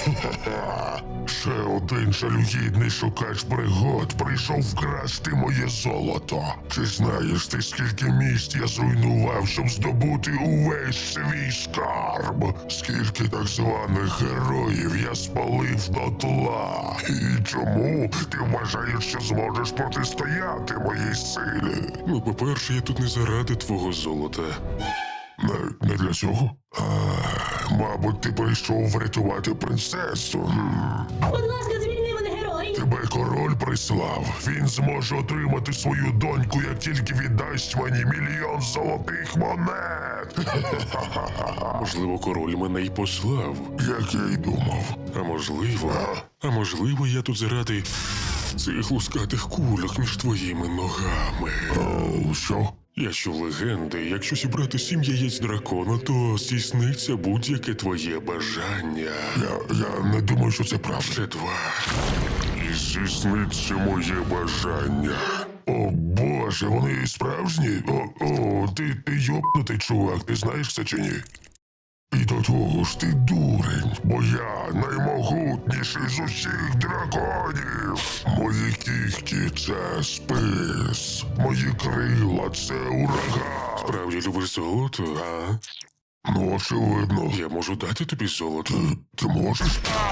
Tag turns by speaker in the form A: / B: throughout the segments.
A: Ще один жалюгідний шукач пригод прийшов вкрасти моє золото. Чи знаєш ти, скільки міст я зруйнував, щоб здобути увесь свій скарб? Скільки так званих героїв я спалив дотла? І чому ти вважаєш, що зможеш протистояти моїй силі?
B: Ну, по-перше, я тут не заради твого золота.
A: Не для цього? Мабуть, ти прийшов врятувати принцесу.
C: Будь ласка, звільни мене, герой!
A: Тебе король прислав. Він зможе отримати свою доньку, як тільки віддасть мені 1 мільйон золотих монет.
B: Можливо, король мене й послав.
A: Як я й думав.
B: А можливо, я тут заради цих лускатих кульок між твоїми ногами.
A: Що?
B: Я чув легенди, якщо зібрати 7 яєць дракона, то здійсниться будь-яке твоє бажання.
A: Я не думаю, що це правда.
B: Ще 2.
A: І здійсниться моє бажання. О боже, вони справжні? Ти йобнутий чувак, ти знаєш це чи ні? І до того ж ти дурень, бо я наймогутніший з усіх драконів. Мої кігті – це спис, мої крила – це ураган.
B: Справді любиш золото, а?
A: Ну, очевидно.
B: Я можу дати тобі золото.
A: Ти можеш?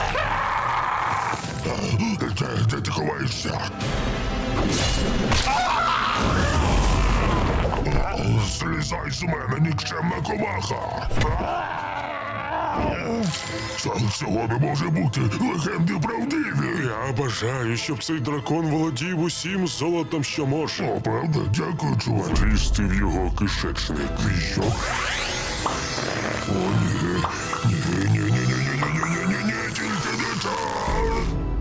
A: Де ти ховаєшся? Злізай з мене, нікчемна комаха! Цього не може бути, легенди правдиві!
B: Я бажаю, щоб цей дракон володів усім золотом, що може.
A: О, правда? Дякую, чувак.
B: Лізти в його кишечник.
A: І що? О, ні. Ні, тільки не так!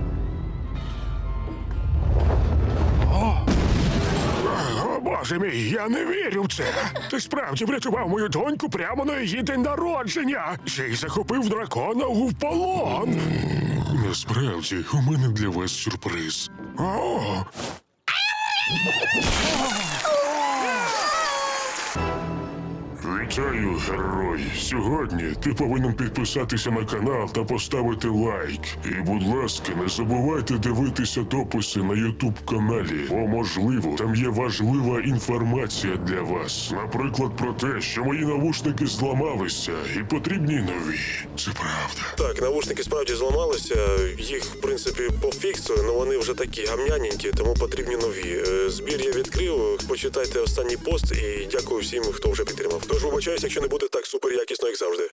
B: О, боже мій, я не вірю в це. Ти справді врятував мою доньку прямо на її день народження. Ще й захопив дракона у полон. Насправді, у мене для вас сюрприз. О! Вітаю, герой! Сьогодні ти повинен підписатися на канал та поставити лайк. І, будь ласка, не забувайте дивитися дописи на YouTube-каналі, бо, можливо, там є важлива інформація для вас. Наприклад, про те, що мої навушники зламалися і потрібні нові. Це правда.
D: Так, навушники справді зламалися, їх, в принципі, пофіксили, але вони вже такі гамняненькі, тому потрібні нові. Збір я відкрив, почитайте останній пост і дякую всім, хто вже підтримав. Тож вибачаюсь, якщо не буде так супер якісно, як завжди.